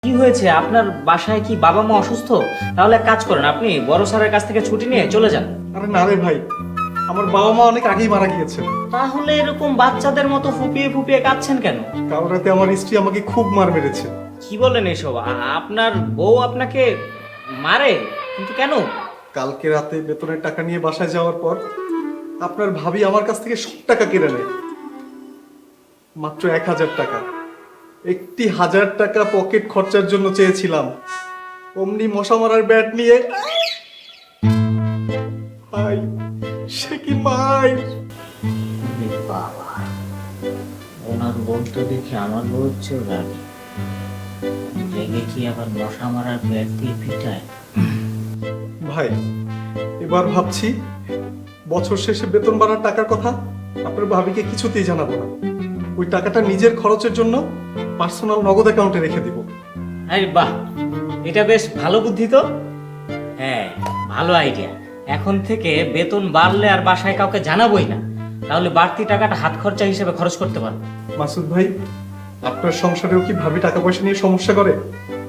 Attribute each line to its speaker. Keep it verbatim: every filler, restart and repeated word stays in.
Speaker 1: কি হয়েছে? আপনার বাসায় কি বাবা মা অসুস্থ? তাহলে এক কাজ করেন, আপনি বড় স্যারের কাছ থেকে ছুটি নিয়ে চলে যান।
Speaker 2: আরে না রে ভাই, আমার বাবা মা অনেক আগেই মারা গিয়েছে।
Speaker 1: তাহলে এরকম বাচ্চাদের মতো ফুপিয়ে ফুপিয়ে কাঁদছেন কেন?
Speaker 2: কাল রাতে আমার স্ত্রী আমাকে খুব মার মেরেছে।
Speaker 1: কি বলেন এসব? আ- আপনার বউ আপনাকে মারে? কিন্তু কেন?
Speaker 2: কালকে রাতে বেতনের টাকা নিয়ে বাসায় যাওয়ার পর আপনার ভাবি আমার কাছ থেকে সব টাকা কেড়ে নেয়। মাত্র এক হাজার টাকা। একটি হাজার টাকা পকেট খরচার জন্য চেয়েছিলাম, অমনি মশা মারার ব্যাট নিয়ে ভাই, সে কি মাই!
Speaker 1: বাবা, ওনার বউ তো দেখি আমার বউ হচ্ছে রানী। রেগে কি আবার মশা মারার ব্যাট দিয়ে পিটায়?
Speaker 2: ভাই, এবার ভাবছি বছর শেষে বেতন বাড়ার টাকার কথা আপনার ভাবিকে কিছুতেই জানাবো না। ওই টাকাটা নিজের খরচের জন্য পার্সোনাল নগদ অ্যাকাউন্টে রেখে দিব।
Speaker 1: আরে বাহ, এটা বেশ ভালো বুদ্ধি তো। হ্যাঁ, ভালো আইডিয়া। এখন থেকে বেতন বাড়লে আর বাসায় কাউকে জানাবোই না, তাহলে বাড়তি টাকাটা হাত খরচা হিসেবে খরচ করতে পারবো।
Speaker 2: মাসুদ ভাই, আপনার সংসারেও কি ভাবি টাকা পয়সা নিয়ে সমস্যা করে?